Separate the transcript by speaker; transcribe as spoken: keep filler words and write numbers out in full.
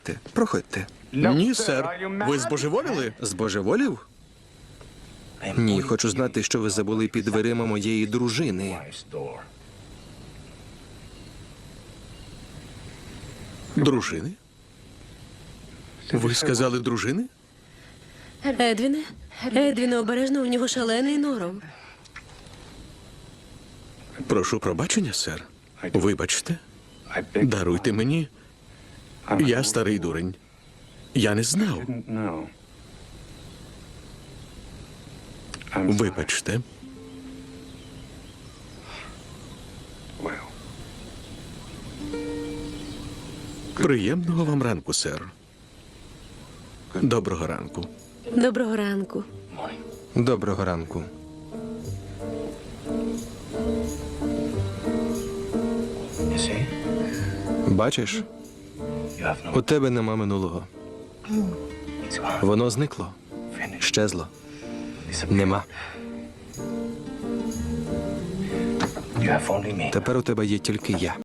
Speaker 1: Проходьте.
Speaker 2: Ні, сер. Ви збожеволіли?
Speaker 1: Збожеволів? Ні, хочу знати, що ви забули під дверима моєї дружини.
Speaker 2: Дружини? Ви сказали дружини?
Speaker 3: Едвіне? Едвіне, обережно, у нього шалений норов.
Speaker 2: Прошу пробачення, сер. Вибачте. Даруйте мені. Я старий дурень. Я не знав. Вибачте. Приємного вам ранку, сер. Доброго ранку.
Speaker 3: Доброго ранку.
Speaker 1: Доброго ранку. Бачиш, у тебе нема минулого. Воно зникло, щезло. Нема. Тепер у тебе є тільки я.